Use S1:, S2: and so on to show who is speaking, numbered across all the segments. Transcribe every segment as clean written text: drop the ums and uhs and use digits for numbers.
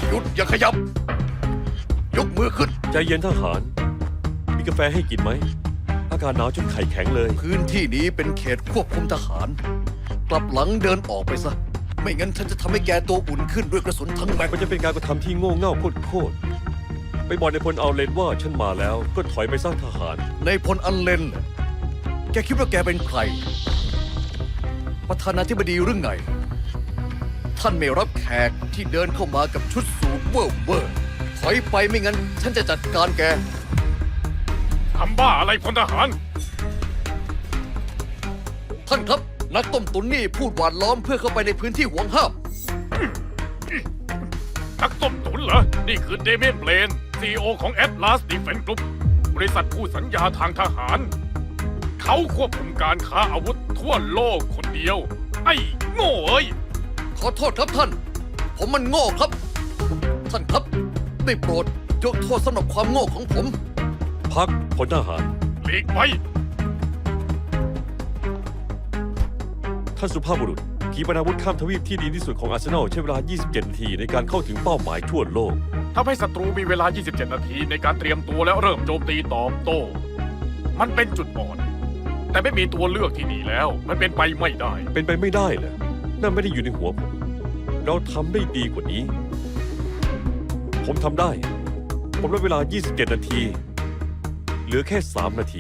S1: หยุดอย่าขยับ ยกมือขึ้น
S2: ใจเย็นทหาร มีกาแฟให้กินไหม อากาศหนาวจนไข่แข็งเลย
S1: พื้นที่นี้เป็นเขตควบคุมทหาร กลับหลังเดินออกไปซะ ไม่งั้นฉันจะทำให้แกตัวอุ่นขึ้นด้วยกระสุนทั้งแม็ก
S2: มันจะเป็นการกระทำที่โง่เง่าโคตรไปบอกในพลเอาเลนว่าฉันมาแล้วก็ถอยไปสร้างทหาร
S1: ในพลอันเลนน่ะแกคิดว่าแกเป็นใคร ประธานาธิบดีหรือไง ท่านไม่รับแขกที่เดินเข้ามากับชุดสูทเว่อร์ถอยไปไม่งั้น ฉันจะจัดการแก
S3: ทำบ้าอะไรพลทหาร
S1: ท่านครับ นักต้มตุ๋นนี่พูดหวานล้อมเพื่อเข้าไปในพื้นที่ห่วงห้าม
S3: นักต้มตุ๋นเหรอ นี่คือเดเมียนเบลน CEO ของ Atlas Defense Group บริษัทผู้สัญญาทางทหาร เขาควบคุมการค้าอาวุธทั่วโลกคนเดียว ไอ้โง่เอ้ย
S1: ขอโทษครับท่าน ผมมันโง่ครับ ท่านครับ ได้โปรดยกโทษสำหรับความโง่ของผม
S2: พักพลทหาร
S3: หลีกไป
S2: ท่านสุภาพบุรุษขีปนาวุธข้ามทวีปที่ดีที่สุดของอาร์เซนอลใช้เวลา 27 นาทีในการเข้าถึงเป้าหมายทั่วโลก
S3: ทำให้ศัตรูมีเวลา 27 นาทีในการเตรียมตัวแล้วเริ่มโจมตีตอบโต้ มันเป็นจุดอ่อน แต่ไม่มีตัวเลือกที่ดีแล้ว มันเป็นไปไม่ได้
S2: เป็นไปไม่ได้เหรอนั่นไม่ได้อยู่ในหัวผม เราทำได้ดีกว่านี้ ผมทำได้ ผมลดเวลา 27 นาที เหลือแค่ 3 นาที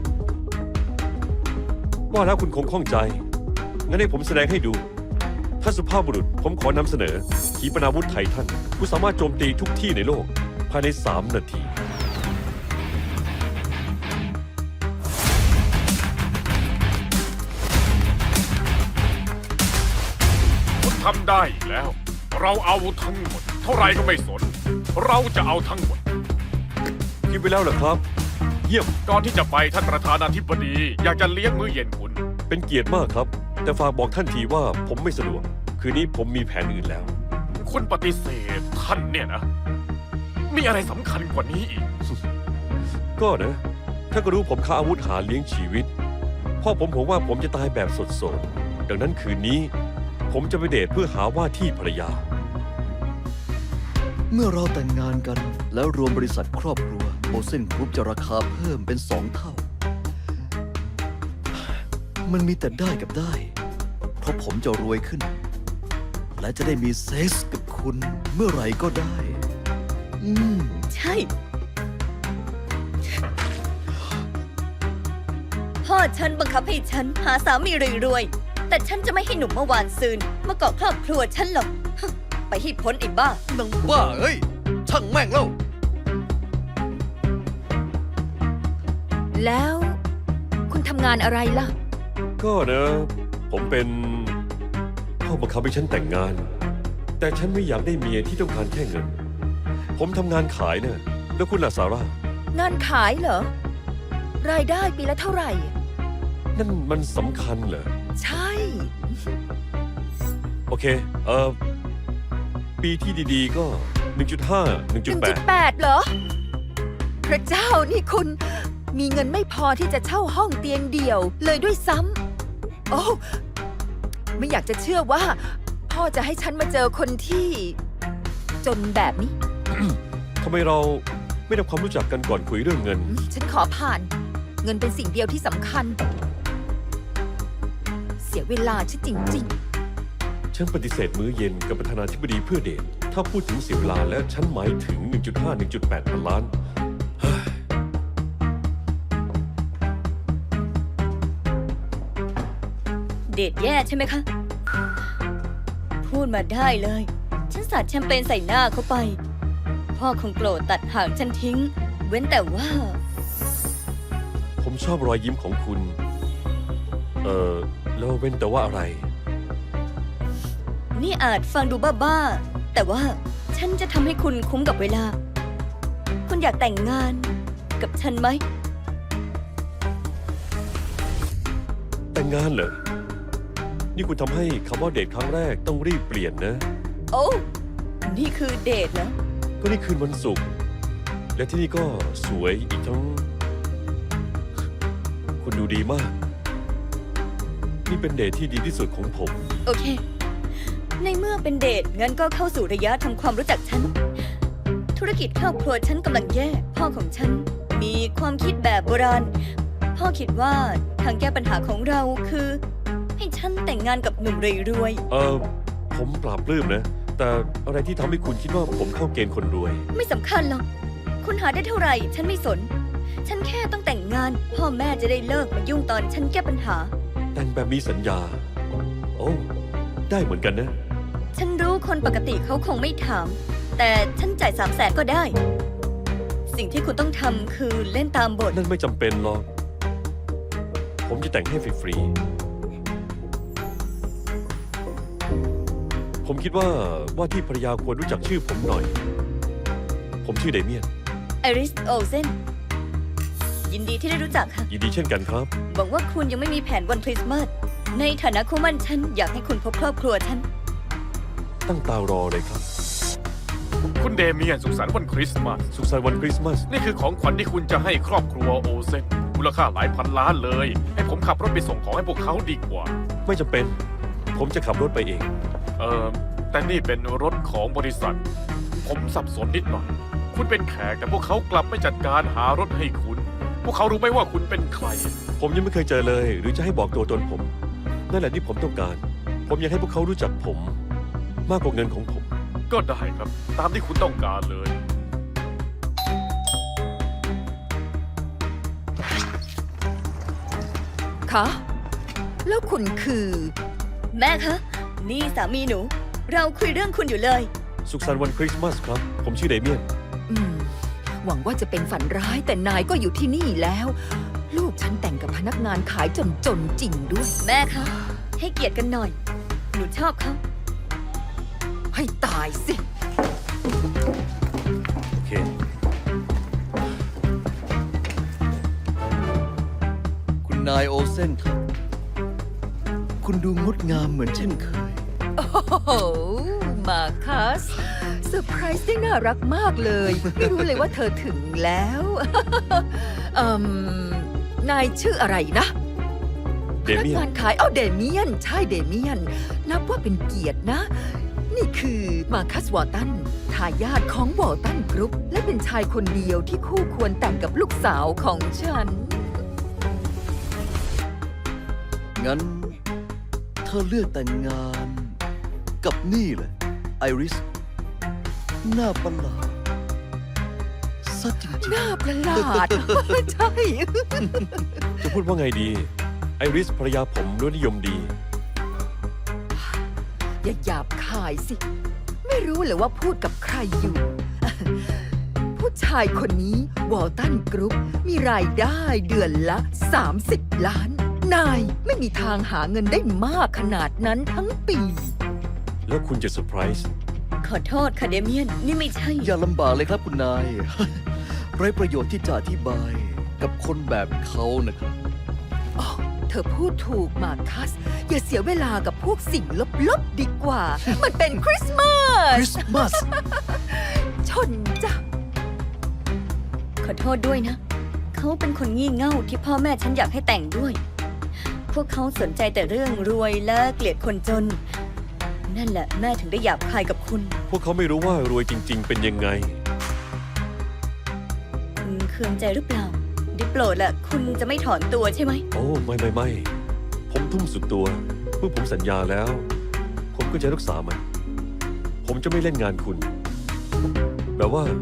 S2: ว่าแล้วคุณคงข้องใจ งั้นให้ผมแสดงให้ดู ท่านสุภาพบุรุษ ผมขอนำเสนอ ขีปนาวุธไททันผู้สามารถโจมตีทุกที่ในโลก ภายใน 3 นาที
S3: คุณทำได้อีกแล้ว เราเอาทั้งหมด เท่าไรก็ไม่สน เราจะเอาทั้งหมด
S2: คิดไปแล้วเหรอครับ เยี่ยม
S3: ก่อนที่จะไปท่านประธานาธิบดี อยากจะเลี้ยงมื้อเย็นคุณ
S2: เป็นเกียรติมากครับ แต่ฝากบอกท่านทีว่าผมไม่สะดวก คืนนี้ผมมีแผนอื่นแล้ว
S3: คุณปฏิเสธท่านเนี่ยนะ มีอะไรสำคัญกว่านี้อีก
S2: ก็นะท่านก็รู้ผมค้าอาวุธหาเลี้ยงชีวิต พ่อผมห่วงว่าผมจะตายแบบสดๆ ดังนั้นคืนนี้ ผมจะไปเดทเพื่อหาว่าที่ภรรยา
S1: เมื่อเราแต่งงานกันแล้วรวมบริษัทครอบครัวโอเซนกรุ๊ปจะราคาเพิ่มเป็น2 เท่า มันมีแต่ได้กับได้ เพราะผมจะรวยขึ้น และจะได้มีเซ็กส์กับคุณเมื่อไหร่ก็ได้
S4: ใช่ พ่อฉันบังคับให้ฉันหาสามีรวยๆ แต่ฉันจะไม่ให้หนุ่มเมื่อวานซืนมาเกาะครอบครัวฉันหรอก ไปให้พ้นไอ้บ้า
S1: นังบ้าเอ้ย ช่างแม่งแล้ว
S5: แล้วคุณทำงานอะไรล่ะ
S2: ก็นะ ผมเป็นพ่อบังคับให้ฉันแต่งงาน แต่ฉันไม่อยากได้เมียที่ต้องการแค่เงิน ผมทำงานขายนะแล้วคุณล่ะซาร่า
S5: งานขายเหรอ รายได้ปีละเท่าไหร่
S2: นั่นมันสำคัญเหรอ
S5: ใช่
S2: โอเค ปีที่ดีๆก็ 1.5 1.8
S5: 1.8 เหรอ พระเจ้านี่คุณ มีเงินไม่พอที่จะเช่าห้องเตียงเดี่ยวเลยด้วยซ้ำ โอ้ไม่อยากจะเชื่อว่า พ่อจะให้ฉันมาเจอคนที่ จนแบบนี้
S2: ทำไมเราไม่ทำความรู้จักกันก่อนคุยเรื่องเงิน
S5: ฉันขอผ่าน เงินเป็นสิ่งเดียวที่สำคัญ เสียเวลาฉันจริง
S2: ฉันปฏิเสธมื้อเย็นกับประธานาธิบดีเพื่อเดท ถ้าพูดถึงเสียเวลาแล้วฉันหมายถึง 1.5 1.8 พันล้าน
S4: เดทแย่ใช่ไหมคะ พูดมาได้เลย ฉันสาดแชมเปญใส่หน้าเขาไป พ่อคงโกรธตัดหางฉันทิ้ง เว้นแต่ว่า
S2: ผมชอบรอยยิ้มของคุณ แล้วเว้นแต่ว่าอะไร
S4: นี่อาจฟังดูบ้าๆ แต่ว่าฉันจะทำให้คุณคุ้มกับเวลา คุณอยากแต่งงานกับฉันไหม
S2: แต่งงานเหรอ นี่คุณทำให้คำว่าเดทครั้งแรกต้องรีบเปลี่ยนนะ
S4: โอ้ นี่คือเดทเหรอ
S2: ก็นี่คืนวันศุกร์ และที่นี่ก็สวยอีกทั้ง คุณดูดีมาก นี่เป็นเดทที่ดีที่สุดของผม
S4: โอเคในเมื่อเป็นเดทงั้นก็เข้าสู่ระยะทำความรู้จักฉัน ธุรกิจครอบครัวฉันกำลังแย่ พ่อของฉันมีความคิดแบบโบราณ พ่อคิดว่าทางแก้ปัญหาของเราคือ ให้ฉันแต่งงานกับหนุ่มรวย
S2: ผมปราบปลื้มนะ แต่อะไรที่ทำให้คุณคิดว่าผมเข้าเกณฑ์คนรวย
S4: ๆ ไม่สำคัญหรอก คุณหาได้เท่าไหร่ ฉันไม่สน ฉันแค่ต้องแต่งงาน พ่อแม่จะได้เลิกมายุ่งตอนฉันแก้ปัญหา
S2: แต่งแบบมีสัญญา โอ้ ได้เหมือนกันนะ
S4: ฉันรู้คนปกติเขาคงไม่ถาม แต่ฉันจ่าย300,000ก็ได้ สิ่งที่คุณต้องทำคือเล่นตามบท
S2: นั่นไม่จำเป็นหรอก ผมจะแต่งให้ฟรีๆ ผมคิดว่าที่ภรรยาควรรู้จักชื่อผมหน่อย ผมชื่อเดเมียน
S4: ไอริส โอเซน ยินดีที่ได้รู้จักค่ะ
S2: ยินดีเช่นกันครับ
S4: หวังว่าคุณยังไม่มีแผนวันคริสต์มาส ในฐานะคู่หมั่นฉันอยากให้คุณพบครอบครัวฉัน
S2: ตั้งตารอเลยครับ
S3: คุณเดเมียนสุขสันต์วันคริสต์มาส
S2: สุขสันต์วันคริสต์มาส
S3: นี่คือของขวัญที่คุณจะให้ครอบครัวโอเซนมูลค่าหลายพันล้านเลย ให้ผมขับรถไปส่งของให้พวกเขาดีกว่า
S2: ไม่จำเป็น ผมจะขับรถไปเอง
S3: แต่นี่เป็นรถของบริษัท ผมสับสนนิดหน่อย คุณเป็นแขกแต่พวกเขากลับไม่จัดการหารถให้คุณ พวกเขารู้ไหมว่าคุณเป็นใคร
S2: ผมยังไม่เคยเจอเลย หรือจะให้บอกตัวตนผม นั่นแหละที่ผมต้องการ ผมอยากให้พวกเขารู้จักผม มากกว่าเงินของผม
S3: ก็ได้ครับ ตามที่คุณต้องการเลย
S5: คะ แล้วคุณคือ
S4: แม่คะ นี่สามีหนู เราคุยเรื่องคุณอยู่เลย
S2: สุขสันต์วันคริสต์มาสครับ ผมชื่อเดเมียน
S5: หวังว่าจะเป็นฝันร้ายแต่นายก็อยู่ที่นี่แล้ว ลูกฉันแต่งกับพนักงานขายจนจริงด้วย
S4: แม่คะ ให้เกียรติกันหน่อย หนูชอบเขา
S5: ให้ตายสิ
S2: โอเค
S1: คุณนายโอเซนครับ คุณดูงดงามเหมือนเช่นเคย
S5: โอ้โห มาคัสเซอร์ไพรส์ได้น่ารักมากเลย ไม่รู้เลยว่าเธอถึงแล้ว นายชื่ออะไรนะ
S2: เด
S5: พนัก
S2: เมียน
S5: งานขายเดเมียน ใช่เดเมียน นับว่าเป็นเกียรตินะ นี่คือมาคัสวอร์ตันทายาทของวอร์ตันกรุ๊ป และเป็นชายคนเดียวที่คู่ควรแต่งกับลูกสาวของฉัน
S1: งั้น เธอเลือกแต่งงานกับนี่แหละไอริส หน้าประหลาดซะจริง
S5: หน้าประหลาด ใช่
S2: จะพูดว่าไงดี ไอริสภรรยาผมรสนิยมดี
S5: อย่าหยาบคายสิ ไม่รู้เลยว่าพูดกับใครอยู่ ผู้ชายคนนี้วอลตันกรุ๊ปมีรายได้เดือนละ 30 ล้าน นายไม่มีทางหาเงินได้มากขนาดนั้นทั้งปี
S2: แล้วคุณจะเซอร์ไพรส์
S4: ขอโทษค่ะเดเมียน นี่ไม่ใช่
S1: ๆ อย่าลำบากเลยครับคุณนาย ไร้ประโยชน์ที่จะอธิบายกับคนแบบเขานะครับ
S5: อ๋อ เธอพูดถูกมาคัส อย่าเสียเวลากับพวกสิ่งลบๆดีกว่า มันเป็นคริสต์มา
S1: ค
S5: ส
S1: ริสต์มาส
S5: ชนจ้ะ
S4: ขอโทษด้วยนะ เขาเป็นคนงี่เง่าที่พ่อแม่ฉันอยากให้แต่งด้วย พวกเขาสนใจแต่เรื่องรวยและเกลียดคนจน นั่นแหละแม่ถึงได้หยาบคายกับคุณ
S2: พวกเขาไม่รู้ว่ารวยจริง ๆ เป็นยังไง
S4: คุณเคืองใจหรือเปล่าได้โปรดละคุณจะไม่ถอนตัวใช่ไหม
S2: โอ้ไม่ ผมทุ่มสุดตัว เมื่อผมสัญญาแล้ว ผมก็จะรักษามัน ผมจะไม่เล่นงานคุณ แบบว่า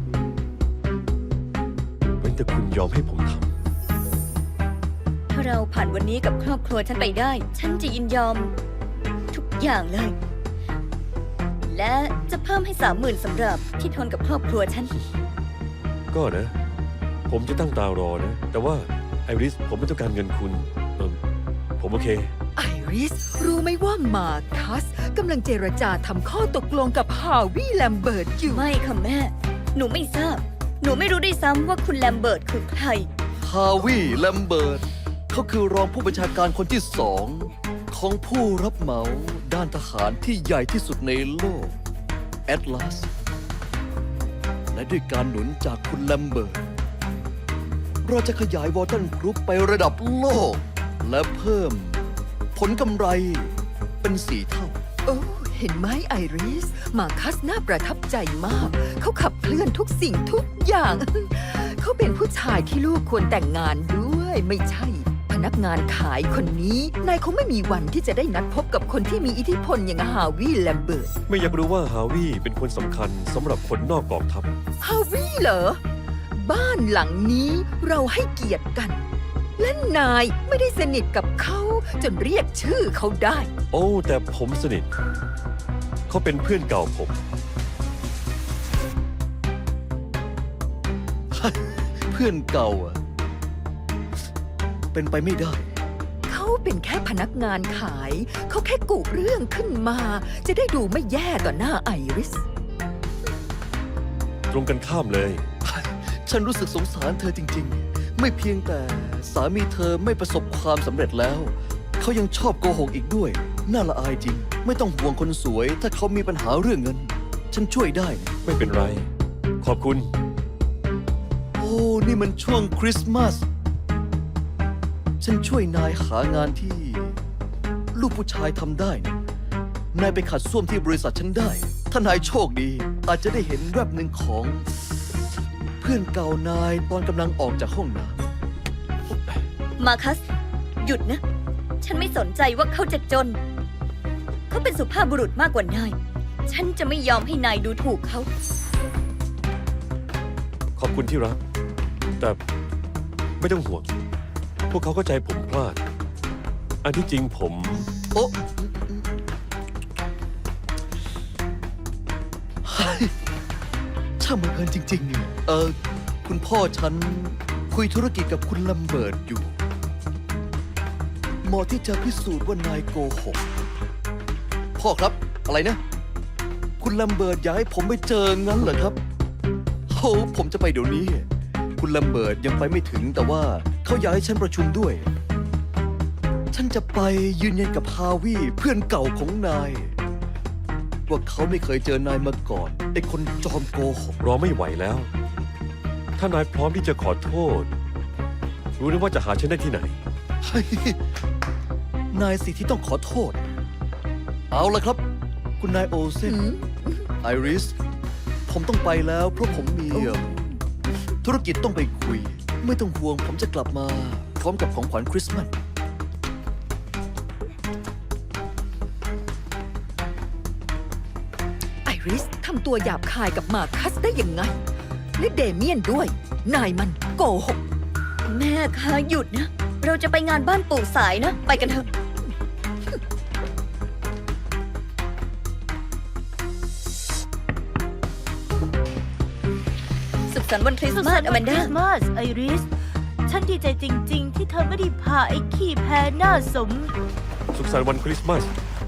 S2: เว้นแต่คุณยอมให้ผมท
S4: ถ้าเราผ่านวันนี้กับครอบครัวฉันไปได้ ฉันจะยินยอมทุกอย่างเลย และจะเพิ่มให้30,000สำหรับที่ทนกับครอบครัวฉัน
S2: ำก็นะ ผมจะตั้งตารอนะ แต่ว่าไอริสผมไม่ต้องการเงินคุณผมโอเค
S5: ไอริส รู้ไหมว่ามาคัสกำลังเจรจาทำข้อตกลงกับฮาวิแลมเบิร์ตอยู่
S4: ไม่ค่ะแม่ หนูไม่ทราบ หนูไม่รู้ด้วยซ้ำว่าคุณแลมเบิร์ตคือใคร
S1: ฮาวิแลมเบิร์ตเขาคือรองผู้บัญชาการคนที่สองของผู้รับเหมาด้านทหารที่ใหญ่ที่สุดในโลกแอตลาสและด้วยการหนุนจากคุณแลมเบิร์ตเราจะขยายวอร์ตันกรุ๊ปไประดับโลก และเพิ่มผลกำไรเป็น4 เท่า
S5: โอ้ยเห็นไหมไอริส มาคัสน่าประทับใจมาก เขาขับเคลื่อนทุกสิ่งทุกอย่าง เขาเป็นผู้ชายที่ลูกควรแต่งงานด้วย ไม่ใช่ พนักงานขายคนนี้ นายคงไม่มีวันที่จะได้นัดพบกับคนที่มีอิทธิพลอย่างฮาวิแลมเบิร์ต
S2: ไม่อยากรู้ว่าฮาวิเป็นคนสำคัญสำหรับคนนอกกองทัพ
S5: ฮาวิเหรอ บ้านหลังนี้เราให้เกียรติกัน และนายไม่ได้สนิทกับเขาจนเรียกชื่อเขาได้
S2: โอ้แต่ผมสนิท เขาเป็นเพื่อนเก่าผม
S1: เพื่อนเก่าอะเป็นไปไม่ได้
S5: เขาเป็นแค่พนักงานขาย เขาแค่กุเรื่องขึ้นมา จะได้ดูไม่แย่ต่อหน้าไอริส
S2: ตรงกันข้ามเลย
S1: ฉันรู้สึกสงสารเธอจริงๆ ไม่เพียงแต่สามีเธอไม่ประสบความสำเร็จแล้ว เขายังชอบโกหกอีกด้วย น่าละอายจริง ไม่ต้องห่วงคนสวย ถ้าเขามีปัญหาเรื่องเงิน ฉันช่วยได้นะ
S2: ไม่เป็นไร ขอบคุณ
S1: โอ้ นี่มันช่วงคริสต์มาส ฉันช่วยนายหางานที่ ลูกผู้ชายทำได้นะนายไปขัดส้วมที่บริษัทฉันได้ ถ้านายโชคดี อาจจะได้เห็นแวบหนึ่งของ เพื่อนเก่านายตอนกำลังออกจากห้องน้ำ
S4: มาคัส หยุดนะ ฉันไม่สนใจว่าเขาจะจน เขาเป็นสุภาพบุรุษมากกว่านาย ฉันจะไม่ยอมให้นายดูถูกเขา
S2: ขอบคุณที่รัก แต่ไม่ต้องห่วง พวกเขาเข้าใจผมพลาด อันที่จริงผม
S1: โอ้เฮ้ยช่างบังเอิญจริงๆเนี่ยคุณพ่อฉันคุยธุรกิจกับคุณลัมเบิร์ตอยู่เหมาะที่จะพิสูจน์ว่านายโกหก พ่อครับ อะไรนะ คุณลัมเบิร์ตอยากให้ผมไปเจองั้นเหรอครับโอ้ผมจะไปเดี๋ยวนี้ คุณลัมเบิร์ตยังไปไม่ถึงแต่ว่าเขาอยากให้ฉันประชุมด้วย ฉันจะไปยืนยันกับฮาวิเพื่อนเก่าของนาย ว่าเขาไม่เคยเจอนายมาก่อนไอ้คนจอมโกหก
S2: รอไม่ไหวแล้ว ถ้านายพร้อมที่จะขอโทษ รู้นะว่าจะหาฉันได้ที่ไหน
S1: เฮ้ยนายสิที่ต้องขอโทษ เอาละครับ คุณนายโอเซน ไอริส ผมต้องไปแล้วเพราะผมมีธุรกิจต้องไปคุย ไม่ต้องห่วงผมจะกลับมา พร้อมกับของขวัญคริสต์มาส
S5: ไอริสทำตัวหยาบคายกับมาคัสได้ยังไง และเดเมียนด้วย นายมันโกหก
S4: แม่คะหยุดนะ เราจะไปงานบ้านปู่สายนะ ไปกันเถอะ สุขสันต์วันคริสต์มาสอแมน
S6: ค
S4: ดา
S6: ริสต์มาสไอริส ฉันดีใจจริง ๆ ที่เธอไม่ได้พาไอ้ขี้แพ้หน้าสม
S2: สุขสันต์วันคริสต์มาส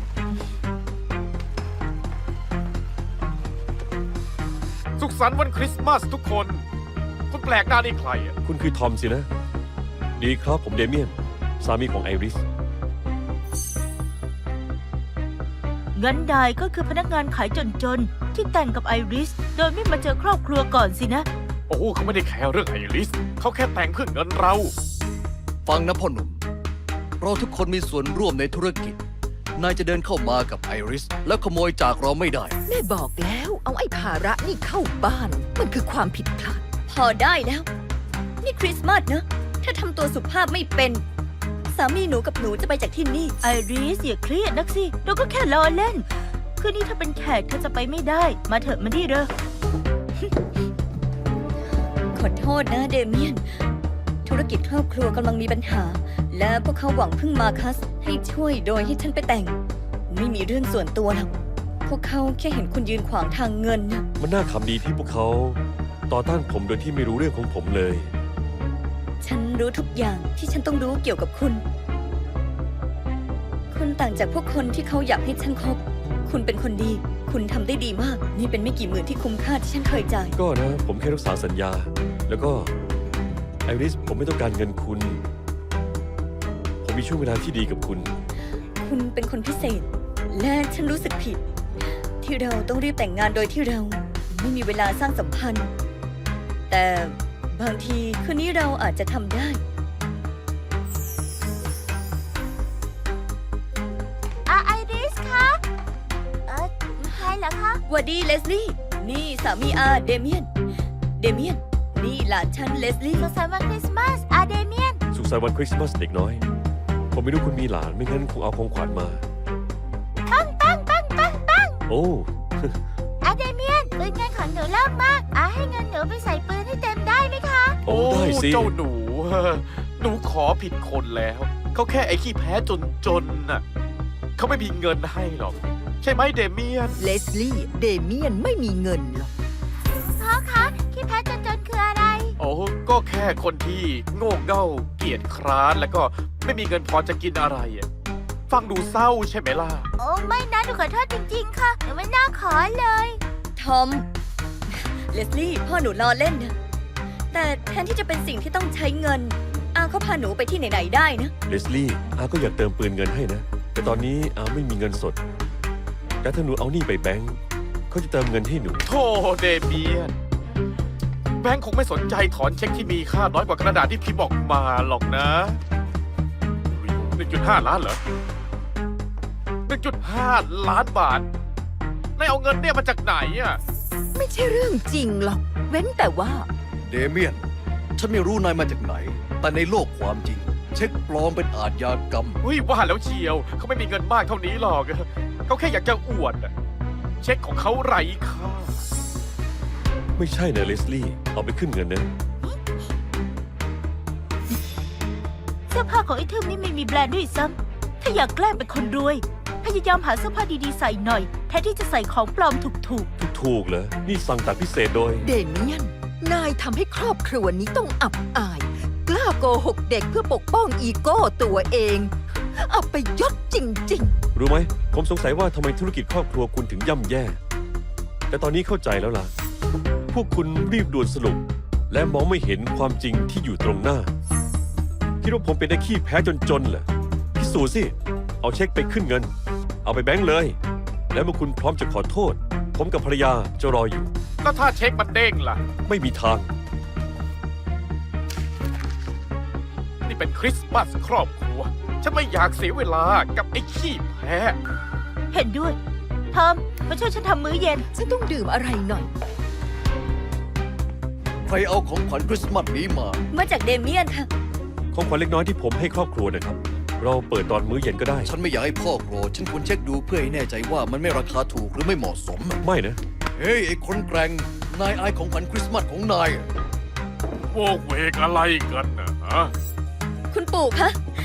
S3: สุขสันต์วันคริสต์มาสทุกคน คุณแปลกหน้านี่ใครอ่ะ
S2: คุณคือทอมสินะ ดีครับผมเดเมียน สามีของไอริส
S6: งั้นนายก็คือพนักงานขายจน ๆ ที่แต่งกับไอริส โดยไม่มาเจอครอบครัวก่อนสินะ
S3: โอ้เขาไม่ได้แคร์เรื่องไอริส เขาแค่แต่งเพื่อเงินเรา
S1: ฟังนะพ่อหนุ่ม เราทุกคนมีส่วนร่วมในธุรกิจ นายจะเดินเข้ามากับไอริส แล้วขโมยจากเราไม่ได้
S5: แม่บอกแล้ว เอาไอ้ภาระนี่เข้าบ้าน มันคือความผิดพลาด
S4: พอได้แล้ว นี่คริสต์มาสนะ ถ้าทำตัวสุภาพไม่เป็น สามีหนูกับหนูจะไปจากที่นี่
S6: ไอริสอย่าเครียดนักสิ เราก็แค่ล้อเล่น คืนนี้ถ้าเป็นแขกเธอจะไปไม่ได้ มาเถอะมาที่เด้อ
S4: ขอโทษนะเดเมียน ธุรกิจครอบครัวกำลังมีปัญหา และพวกเขาหวังพึ่งมาคัสให้ช่วยโดยให้ฉันไปแต่ง ไม่มีเรื่องส่วนตัวหรอกพวกเขาแค่เห็นคุณยืนขวางทางเงินนะ
S2: มันน่าขำดีที่พวกเขาต่อต้านผมโดยที่ไม่รู้เรื่องของผมเลย
S4: ฉันรู้ทุกอย่างที่ฉันต้องรู้เกี่ยวกับคุณ คุณต่างจากพวกคนที่เขาอยากให้ฉันคบ คุณเป็นคนดี คุณทำได้ดีมาก นี่เป็นไม่กี่หมื่นที่คุ้มค่าที่ฉันเคยจ่าย
S2: ก็นะ ผมแค่รักษาสัญญา แล้วก็ไอริส ผมไม่ต้องการเงินคุณ ผมมีช่วงเวลาที่ดีกับคุณ
S4: คุณเป็นคนพิเศษ และฉันรู้สึกผิด ที่เราต้องรีบแต่งงานโดยที่เราไม่มีเวลาสร้างสัมพันธ์ แต่บางทีคืนนี้เราอาจจะทำได้
S6: ไอริสคะ
S4: หวัดดีเลสลี่ นี่สามีอาเดเมียน เดเมียน นี่หลานฉันเลสลี่
S6: สุขสันต์วันคริสต์มาสอาเดเมียน
S2: สุขสันต์วันคริสต์มาสเด็กน้อย ผมไม่รู้คุณมีหลานไม่งั้นคงเอาของขวัญมา
S6: ปังปังปังปังปัง
S2: โอ้
S6: อาเดเมียนปืนเงินของหนูเลิกมากอาให้เงินหนูไปใส่ปืนให้เต็มได้ไหมคะ
S2: โอ้ได้สิ
S3: เจ้าหนู หนูขอผิดคนแล้ว เขาแค่ไอ้ขี้แพ้จนน่ะ เขาไม่มีเงินให้หรอก ใช่ไหมเดเมียน
S5: เลสลี่ เดเมียนไม่มีเงินหรอก
S6: พ่อคะขี้แพ้จนคืออะไร
S3: โอ้ก็แค่คนที่โง่เง่าเกียจคร้านแล้วก็ไม่มีเงินพอจะกินอะไรอะฟังดูเศร้าใช่ไหมล่ะ
S6: โอ้ไม่นะหนูขอโทษจริงๆ ค่ะหนูไม่น่าขอเลย
S4: ทอม เลสลี่ พ่อหนูล้อเล่นนะ แต่แทนที่จะเป็นสิ่งที่ต้องใช้เงิน อาเขาพาหนูไปที่ไหนๆได้นะ
S2: เลสลี่อาก็อยากเติมปืนเงินให้นะ แต่ตอนนี้อาไม่มีเงินสด แต่ถ้าหนูเอานี่ไปแบงก์เขาจะเติมเงินให้หนู
S3: โธ่เดเมียน แบงค์คงไม่สนใจถอนเช็คที่มีค่าน้อยกว่ากระดาษที่พิมพ์ออกมาหรอกนะ 1.5 ล้านเหรอ 1.5 ล้านบาทนายเอาเงินเนี่ยมาจากไหนอ่ะ
S5: ไม่ใช่เรื่องจริงหรอก เว้นแต่ว่า
S1: เดเมียน ฉันไม่รู้นายมาจากไหน แต่ในโลกความจริง เช็คปลอมเป็นอาชญากรรม
S3: เฮ้ยว่าแล้วเชียว เขาไม่มีเงินมากเท่านี้หรอก เขาแค่อยากจะอวดอะเช็คของเขาไร้ค่า
S2: ไม่ใช่นะเลสลี่ เอาไปขึ้นเงินนะ
S6: เสื้อผ้าของไอ้ทึมนี่ไม่มีแบรนด์ด้วยซ้ำถ้าอยากแกล้งเป็นคนรวย พยายามหาเสื้อผ้าดีๆใส่หน่อย แทนที่จะใส่ของปลอมถูก
S2: ถูกเหรอ นี่สั่งตัดพิเศษโดย
S5: เดเมียน นายทำให้ครอบครัวนี้ต้องอับอาย กล้าโกหกเด็กเพื่อปกป้องอีโก้ตัวเอง อับไปยศจริง
S2: รู้ไหม ผมสงสัยว่าทำไมธุรกิจครอบครัวคุณถึงย่ำแย่ แต่ตอนนี้เข้าใจแล้วล่ะ พวกคุณรีบด่วนสรุป และมองไม่เห็นความจริงที่อยู่ตรงหน้า คิดว่าผมเป็นไอ้ขี้แพ้จนๆเหรอ พิสูจน์สิ เอาเช็คไปขึ้นเงิน เอาไปแบงก์เลย แล้วเมื่อคุณพร้อมจะขอโทษ ผมกับภรรยาจะรออยู่
S3: แล้วถ้าเช็คมันเด้งล่ะ
S2: ไม่มีทาง
S3: นี่เป็นคริสต์มาสครอบครัว ฉันไม่อยากเสียเวลากับไอ้ขี้แพ้
S6: ๆ เห็นด้วย ทอมมาช่วยฉันทำมื้อเย็น
S5: ๆ ฉันต้องดื่มอะไรหน่อย
S1: ใครเอาของขวัญคริสต์มาสนี้มา
S4: มาจากเดเมียนค่ะ
S2: ของขวัญเล็กน้อยที่ผมให้ครอบครัวนะครับ เราเปิดตอนมื้อเย็นก็ได้
S1: ฉันไม่อยากให้พ่อโกรธฉันควรเช็คดูเพื่อให้แน่ใจว่ามันไม่ราคาถูกหรือไม่เหมาะสม
S2: ไม่นะ
S1: เฮ้ย ไอ้คนแกร่ง นายอายของขวัญคริสต์มาสของนายอะ
S3: โวกเวกอะไรกันนะฮะ
S4: คุณปู่คะ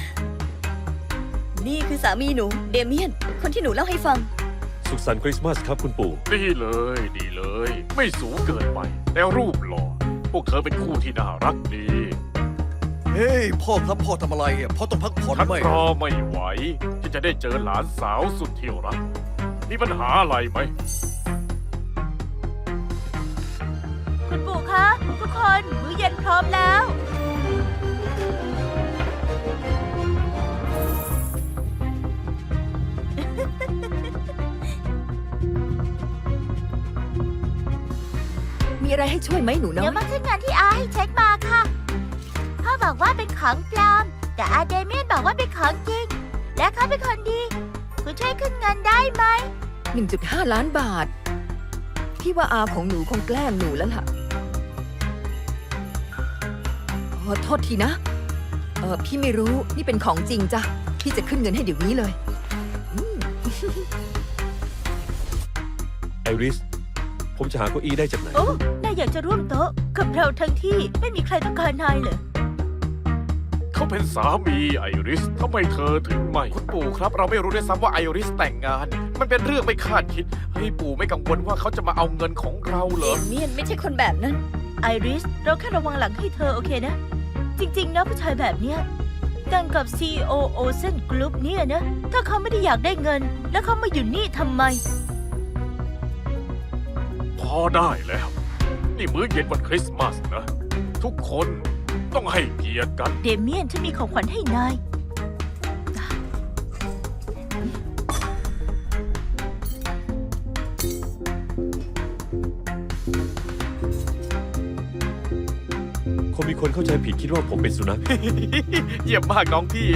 S4: นี่คือสามีหนู เดเมียน คนที่หนูเล่าให้ฟัง
S2: สุขสันต์คริสต์มาสครับคุณปู่
S3: ดีเลยดีเลย ไม่สูงเกินไป แต่รูปหล่อ พวกเธอเป็นคู่ที่น่ารักดี
S1: เฮ้ย พ่อครับพ่อทำอะไรอ่ะพ่อต้องพักผ่อน
S3: ฉัน
S1: ไหม
S3: รอไม่ไหว ที่จะได้เจอหลานสาวสุดที่รัก มีปัญหาอะไรไหม
S6: คุณปู่คะ ทุกคนมื้อเย็นพร้อมแล้ว
S5: มีอะไรให้ช่วยไหมหนูน้
S6: เดี๋
S5: อ
S6: ยวย มาขึ้นเงินที่อาให้เช็คมาค่ะ พ่อบอกว่าเป็นของปลอม แต่อาเดเมียนบอกว่าเป็นของจริง และเขาเป็นคนดี คุณช่วยขึ้นเงินได้ไหม
S5: 1.5 ล้านบาท พี่ว่าอาของหนูคงแกล้งหนูแล้วล่ะขอโทษทีนะ พี่ไม่รู้ นี่เป็นของจริงจ้ะ พี่จะขึ้นเงินให้เดี๋ยวนี้เลย
S2: ไอริส ผมจะหาเก้าอี้ได้จากไหน
S6: โอ้ นายอยากจะร่วมโต๊ะกับเราทั้งที่ไม่มีใครต้องการนายเหรอ
S3: เขาเป็นสามีไอริสทำไมเธอถึงไม่ คุณปู่ครับ เราไม่รู้ด้วยซ้ำว่าไอริสแต่งงาน มันเป็นเรื่องไม่คาดคิด เฮ้ยปู่ไม่กังวลว่าเขาจะมาเอาเงินของเราเหร
S4: เด
S3: อ
S4: เมียนไม่ใช่คนแบบนั้น
S6: ไอริส เราแค่ระวังหลังให้เธอโอเคนะ จริง ๆ นะผู้ชายแบบเนี้ยแต่งกับ CEO Ocean Group เนี่ยนะ ถ้าเขาไม่ได้อยากได้เงิน แล้วเขามาอยู่นี่ทำไม
S3: พอได้แล้ว นี่มื้อเย็นวันคริสต์มาสนะ ทุกคนต้องให้เกียรติกัน
S6: เดเมียนฉันมีของขวัญให้นาย
S2: คงมีคนคนเข้าใจผิดคิดว่าผมเป็นสุนัข
S3: เยี่ยมมากน้องพี่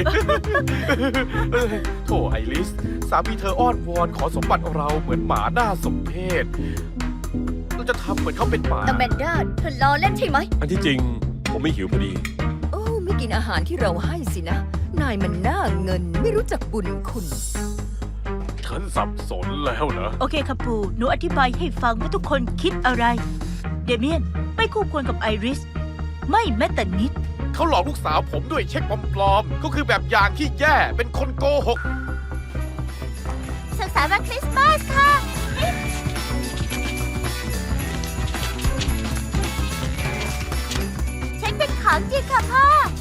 S3: โถไอริส สามีเธออ้อนวอนขอสมบัติเราเหมือนหมาหน้าสมเพชเราจะทำเหมือนเขาเป็นหมา
S4: อแมนดาเธอล้อเล่นใช่ไหม
S2: อันที่จริงผมไม่หิวพอดี
S5: โอ้ไม่กินอาหารที่เราให้สินะ นายมันหน้าเงินไม่รู้จักบุญคุณ
S3: ฉันสับสนแล้วนะ
S6: โอเคค่ะปู่หนูอธิบายให้ฟังว่าทุกคนคิดอะไร เดเมียนไม่คู่ควรกับไอริส ไม่แม้แต่นิด
S3: เขาหลอกลูกสาวผมด้วยเช็คปลอมๆก็คือแบบอย่างที่แย่ เป็นคนโกหก
S6: สุขสันต์วันคริสต์มาสค่ะ ฉันเป็นของจริงค่ะพ่อ